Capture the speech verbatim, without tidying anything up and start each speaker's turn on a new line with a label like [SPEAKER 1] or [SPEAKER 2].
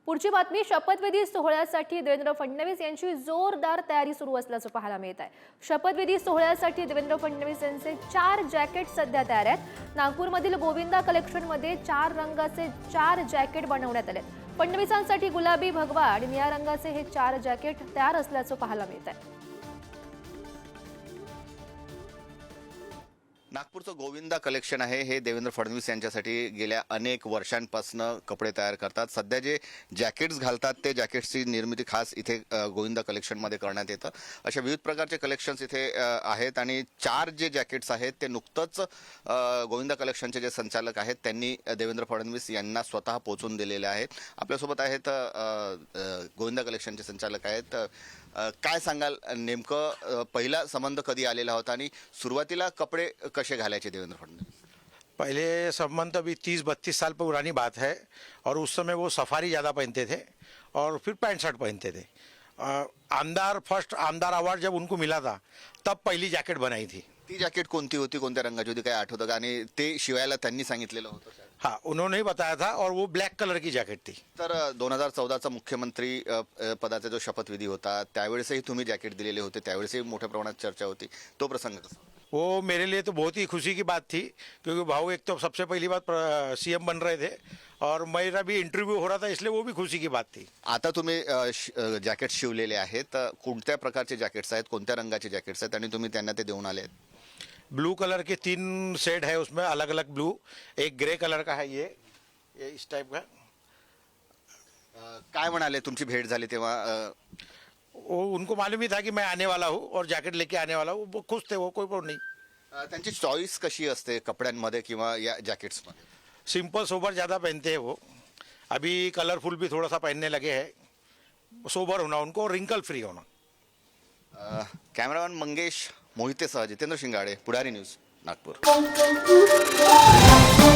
[SPEAKER 1] पुढची बातमी शपथविधी सोहळ्यासाठी देवेंद्र फडणवीस यांची जोरदार तयारी सुरू असल्याचं पाहायला मिळत आहे। शपथविधी सोहळ्यासाठी देवेंद्र फडणवीस यांचे चार जॅकेट सध्या तयार आहेत। नागपूरमधील गोविंदा कलेक्शन मध्ये चार रंगाचे चार जॅकेट बनवण्यात आले। फडणवीसांसाठी गुलाबी, भगवा आणि निळ्या रंगाचे हे चार जॅकेट तयार असल्याचं पाहायला मिळत आहे।
[SPEAKER 2] नागपूरचं गोविंदा कलेक्शन आहे हे देवेंद्र फडणवीस यांच्यासाठी गेल्या अनेक वर्षांपासून कपडे तयार करतात। सध्या जे जॅकेट्स घालतात ते जॅकेट्सची निर्मिती खास इथे गोविंदा कलेक्शनमध्ये करण्यात येतं। अशा विविध प्रकारचे कलेक्शन्स इथे आहेत आणि चार जे जॅकेट्स आहेत ते नुकतंच गोविंदा कलेक्शनचे जे संचालक आहेत त्यांनी देवेंद्र फडणवीस यांना स्वतः पोचवून दिलेले आहेत। आपल्यासोबत आहेत गोविंदा कलेक्शनचे संचालक आहेत। काय सांगाल, नेमकं पहिला संबंध कधी आलेला होता आणि सुरुवातीला कपडे कसे घालायचे देवेंद्र फडणवीस?
[SPEAKER 3] पहले संबंध अभी तीस बत्तीस साल पुरानी बात है और उस समय वो सफारी ज़्यादा पहनते थे और फिर पैंट शर्ट पहनते थे। आमदार फर्स्ट आमदार अवार्ड जब उनको मिला था तब पहली जैकेट बनाई थी।
[SPEAKER 2] ती जॅकेट कोणती होती, कोणत्या रंगाची होती, काय आठवतं का? आणि ते शिवायला त्यांनी सांगितलेलं होतं?
[SPEAKER 3] हाँ, उन्होंने ही बताया था और वो ब्लैक कलर की जैकेट थी।
[SPEAKER 2] तर दोन हजार चौदाचा मुख्यमंत्री पदाचा जो शपथविधी होता त्यावेळेसही तुम्ही जॅकेट दिलेले होते, त्यावेळेसही मोठ्या प्रमाणात चर्चा होती। तो प्रसंग कसा?
[SPEAKER 3] वो मेरे लिए तो बहुत ही खुशी की बात थी क्योंकि भाऊ एक तो सबसे पहली बात सीएम बन रहे थे और मेरा भी इंटरव्यू हो रहा था, इसलिए वो भी खुशी की बात थी।
[SPEAKER 2] आता तुम्ही जॅकेट शिवलेले आहेत, कोणत्या प्रकारचे जॅकेट्स आहेत, कोणत्या रंगाचे जॅकेट्स आहेत आणि तुम्ही त्यांना ते देऊन आले आहेत?
[SPEAKER 3] ब्लू कलर के तीन शेड है उसमें, अलग अलग ब्लू। एक ग्रे कलर का है, ये ये इस टाइप का।
[SPEAKER 2] काय म्हणाले तुमची भेट झाली तेव्हा?
[SPEAKER 3] वो उनको मालूम ही था कि मैं आने वाला हूँ और जैकेट लेके आने वाला हूँ, वो खुश थे, वो कोई प्रॉब्लम नहीं।
[SPEAKER 2] त्यांची चॉईस कशी असते कपड्यांमध्ये किंवा या जॅकेट्समध्ये?
[SPEAKER 3] सिंपल सोबर ज़्यादा पहनते हैं वो। अभी कलरफुल भी थोड़ा सा पहनने लगे हैं। सोबर होना उनको, रिंकल फ्री होना।
[SPEAKER 2] कॅमेरामॅन मंगेश मोहितेसह जितेंद्र शिंगाडे, पुढारी न्यूज, नागपूर।